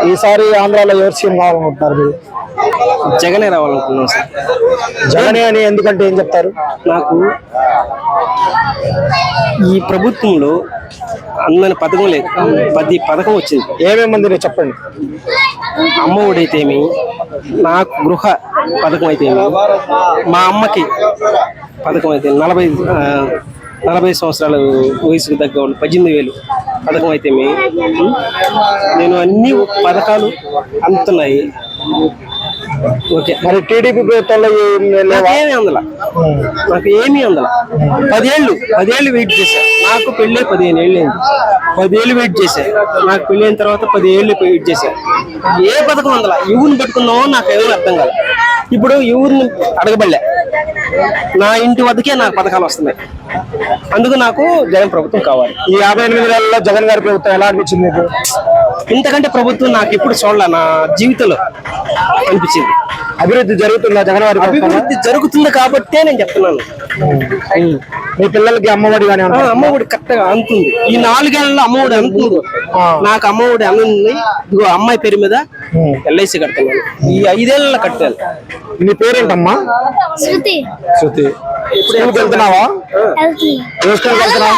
ఈసారి ఆంధ్రాలో ఎవరు సీఎం కావాలనుకుంటున్నారు మీరు? జగనే రావాలనుకున్నాం సార్. జగనే అని ఎందుకంటే ఏం చెప్తారు? నాకు ఈ ప్రభుత్వంలో అందరి పథకం లేదు, 10 పథకం వచ్చింది. ఏమేమంది చెప్పండి. అమ్మ ఒడైతేమి, నాకు గృహ పథకం అయితేమి, మా అమ్మకి పథకం అయితే 40 సంవత్సరాల వయసుకు తగ్గ వాళ్ళు 18,000 పథకం అయితేమి, నేను అన్ని పథకాలు అందుతున్నాయి. ఓకే, మరి టీడీపీ ప్రభుత్వంలో ఏమీ అందల, నాకు ఏమీ అందల. 10 ఏళ్ళు వెయిట్ చేశా. నాకు పెళ్ళి 15 ఏళ్ళు అయింది. 10 ఏళ్ళు వెయిట్ చేశా. నాకు పెళ్ళి అయిన తర్వాత 10 ఏళ్ళు వెయిట్ చేశా. ఏ పథకం అందల. ఎవరిని పెట్టుకున్నామో నాకు ఎవరు అర్థం కాదు. ఇప్పుడు ఎవరిని అడగబడలే, నా ఇంటి వద్దకే నాకు పథకాలు వస్తున్నాయి. అందుకు నాకు జగన్ ప్రభుత్వం కావాలి. ఈ 58 నెలల్లో జగన్ గారి ప్రభుత్వం ఎలా అనిపించింది మీకు? ఇంతకంటే ప్రభుత్వం నాకు ఎప్పుడు చూడాల, నా జీవితంలో అనిపించింది. అభివృద్ధి జరుగుతుందా జగన్ గారి? అభివృద్ధి జరుగుతుంది కాబట్టే నేను చెప్తున్నాను. మీ పిల్లలకి అమ్మఒడి కానీ? అమ్మఒడి కరెక్ట్ గా అందుతుంది. ఈ 4 ఏళ్లలో అమ్మఒడి అందుతుంది. నాకు అమ్మఒడి అందుతుంది. ఇదిగో అమ్మాయి పేరు మీద LIC కడుతున్నాను. ఈ 5 ఏళ్లలో కట్టాను. నీ పేరేంటమ్మా? శృతి. శృతి. స్కూల్కి వెళ్తున్నావా? ఏ స్కూల్కి వెళ్తున్నావా?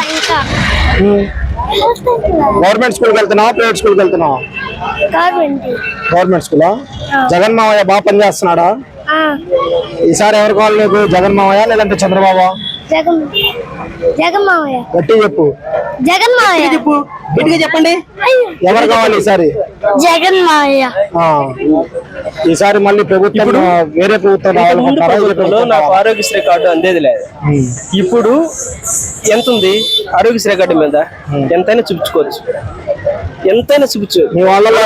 గవర్నమెంట్ స్కూల్కి వెళ్తున్నావా, ప్రైవేట్ స్కూల్కి వెళ్తున్నావా? గవర్నమెంట్ స్కూలా? జగన్ మావయ్య బాగా పనిచేస్తున్నాడా? ఈసారి ఎవరు కావాలి నీకు? జగన్ మావయ్య లేదంటే చంద్రబాబు? జగన్ మావయ్య. గట్టి చెప్పు. జగన్ మావయ్య చెప్పు, గట్టిగా చెప్పండి. ఎవరు కావాలి ఈసారి? జగన్ మావయ్య. ఈసారి మళ్ళీ ప్రభుత్వం వేరే ప్రభుత్వం ప్రభుత్వంలో నాకు ఆరోగ్యశ్రీ కార్డు అందేది లేదు. ఇప్పుడు ఎంత ఉంది ఆరోగ్యశ్రీ కార్డు మీద? ఎంతైనా చూపించుకోవచ్చు, ఎంతైనా చూపించు. మీ వాళ్ళలో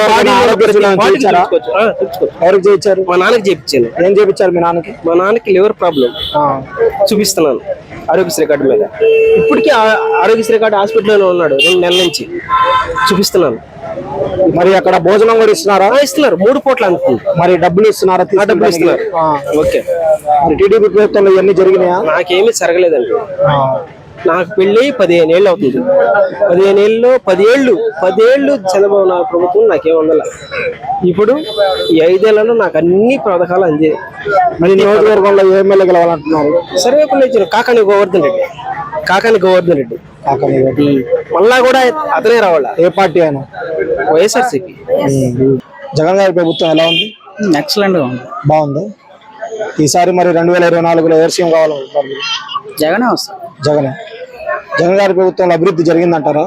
ఎవరికి చేయించారు? మా నాన్నకి చేయించాను. ఏం చేయించారు మీ నాన్నకి? మా నాన్నకి లివర్ ప్రాబ్లం, చూపిస్తున్నాను ఆరోగ్యశ్రీ కార్డు మీద. ఇప్పటికీ ఆరోగ్యశ్రీ కార్డు హాస్పిటల్లో ఉన్నాడు 2 నెలల నుంచి, చూపిస్తున్నాను. మరి అక్కడ భోజనం కూడా ఇస్తున్నారా? ఇస్తున్నారు, 3 పూట్ల అందుతుంది. మరి డబ్బులు ఇస్తున్నారా? డబ్బులు ఇస్తున్నారు. ఓకే. మరి టీడీపీ ప్రభుత్వంలో ఇవన్నీ జరిగినాయా? నాకేమీ జరగలేదండి. నాకు పెళ్ళి 15 ఏళ్ళు అవుతుంది. 15 ఏళ్ళలో 10 ఏళ్ళు చంద్రబాబు నాయుడు ప్రభుత్వం నాకేం ఉండాల. ఇప్పుడు ఈ 5 ఏళ్లలో నాకు అన్ని పథకాలు అందే. మరి నియోజకవర్గంలో ఏ ఎమ్మెల్యే గెలవాలంటున్నారు? సర్వేపల్లి ఇచ్చారు కాకాని గోవర్ధన్ రెడ్డి. మళ్ళా కూడా అతనే రావాలా? ఏ పార్టీ అయినా? వైఎస్ఆర్సీపీ. జగన్ గారి ప్రభుత్వం ఎలా ఉంది? ఎక్సలెంట్ గా ఉంది. బాగుంది. ఈసారి మరి 2024లో ఎవరు సీఎం కావాలనుకుంటారు? జగనే వస్తారు. జగన్ గారి ప్రభుత్వంలో అభివృద్ధి జరిగిందంటారా?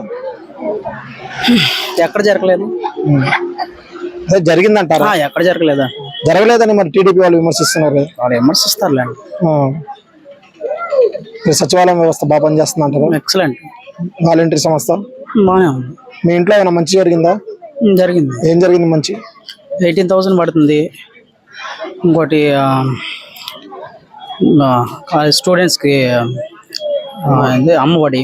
ఎక్కడ జరగలేదు. జరిగిందంటారా? ఎక్కడ జరగలేదా? జరగలేదని మరి టీడీపీ వాళ్ళు విమర్శిస్తున్నారు. వాళ్ళు విమర్శిస్తారులేండి. సచివాలయం వ్యవస్థ బాగా పనిచేస్తుంది అంటారా? ఎక్సలెంట్. వాలంటీర్ సంస్థ బాగానే ఉంది. మీ ఇంట్లో ఏమైనా మంచి జరిగిందా? జరిగింది. ఏం జరిగింది మంచి? 18,000 పడుతుంది. ఇంకోటి స్టూడెంట్స్కి అమ్మఒడి.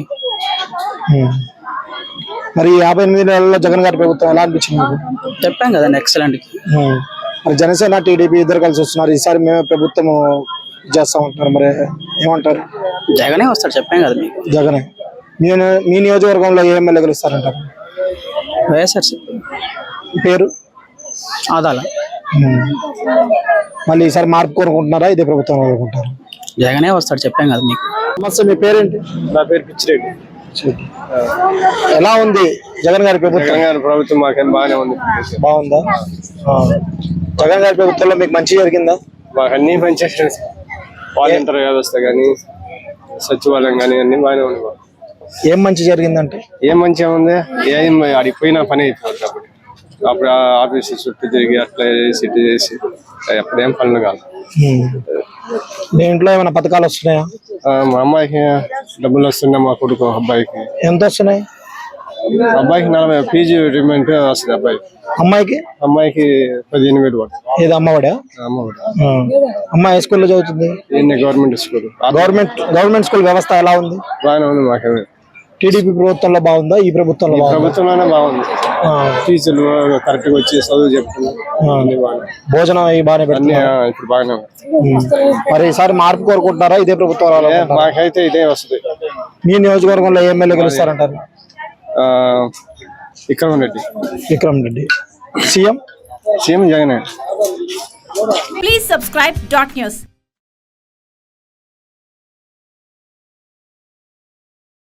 మరి 58 నెలల్లో జగన్ గారి ప్రభుత్వం ఎలా అనిపించింది? చెప్పాం కదండి, ఎక్సలెంట్. మరి జనసేన టీడీపీ ఇద్దరు కలిసి వస్తున్నారు. ఈసారి మేమే ప్రభుత్వం చేస్తా ఉంటున్నారు. మరి ఏమంటారు? జగనే వస్తాడు, చెప్పాం కదా మీకు. జగనే. మీ నియోజకవర్గంలో ఏ ఎమ్మెల్యే గెలుస్తారంటారు? వైఎస్ఆర్సీపీ. పేరు? ఆదాల. మళ్ళీ ఈసారి మార్పు కోరుకుంటున్నారా, ఇదే ప్రభుత్వం కోరుకుంటారు? జగనే వస్తాడు, చెప్పాం కదా మీకు. నమస్తే, మీ పేరేంటి? నా పేరు పిచ్చిరెడ్డి. ఎలా ఉంది జగన్ గారి ప్రభుత్వం? జగన్ గారి ప్రభుత్వం మాకేం బాగానే ఉంది. బాగుందా? జగన్ గారి ప్రభుత్వంలో మీకు మంచి జరిగిందా? మాకు అన్ని మంచి చేశారు. వాలంటీర్ వ్యవస్థ కానీ, సచివాలయం కానీ అన్ని బాగానే ఉంది. ఏం మంచి జరిగిందంటే? ఏం మంచిగా ఉంది? ఏం అడిగి పోయినా పని అయిపోతుంది. అప్పుడు ఆఫీసు చుట్టూ తిరిగి అట్లా చేసి ఎప్పుడేం పనులు కాదు. మీ ఇంట్లో ఏమైనా పథకాలు వస్తున్నాయా? మా అమ్మాయికి డబ్బులు వస్తున్నాయి. మా కొడుకు అబ్బాయికి ఎంత వస్తున్నాయి? అబ్బాయికి 40 PG రిమెంట్ వస్తుంది. అమ్మాయికి 15,000 పడుతుంది. ఏది అమ్మఒడా? అమ్మాయి ఏ స్కూల్లో చదువుతుంది? Government school. గవర్నమెంట్ స్కూల్ వ్యవస్థ ఎలా ఉంది? బాగానే ఉంది. మాకేమే టీడీపీ ప్రభుత్వంలో బాగుందా, ఈ ప్రభుత్వంలో? ప్రభుత్వంలోనే బాగుంది. టీచర్లు కరెక్ట్ గా వచ్చి చదువు చెప్తున్నారు. భోజనం బాగానే పెడుతున్నారు. ఇప్పుడు బాగానే ఉంది. మరి ఈసారి మార్పు కోరుకుంటున్నారా, ఇదే ప్రభుత్వం? మాకైతే ఇదే వస్తుంది. మీ నియోజకవర్గంలో ఎమ్మెల్యే గెలుస్తారంటారు? విక్రమ్ రెడ్డి. సీఎం సీఎం జగనే. Please subscribe dot news.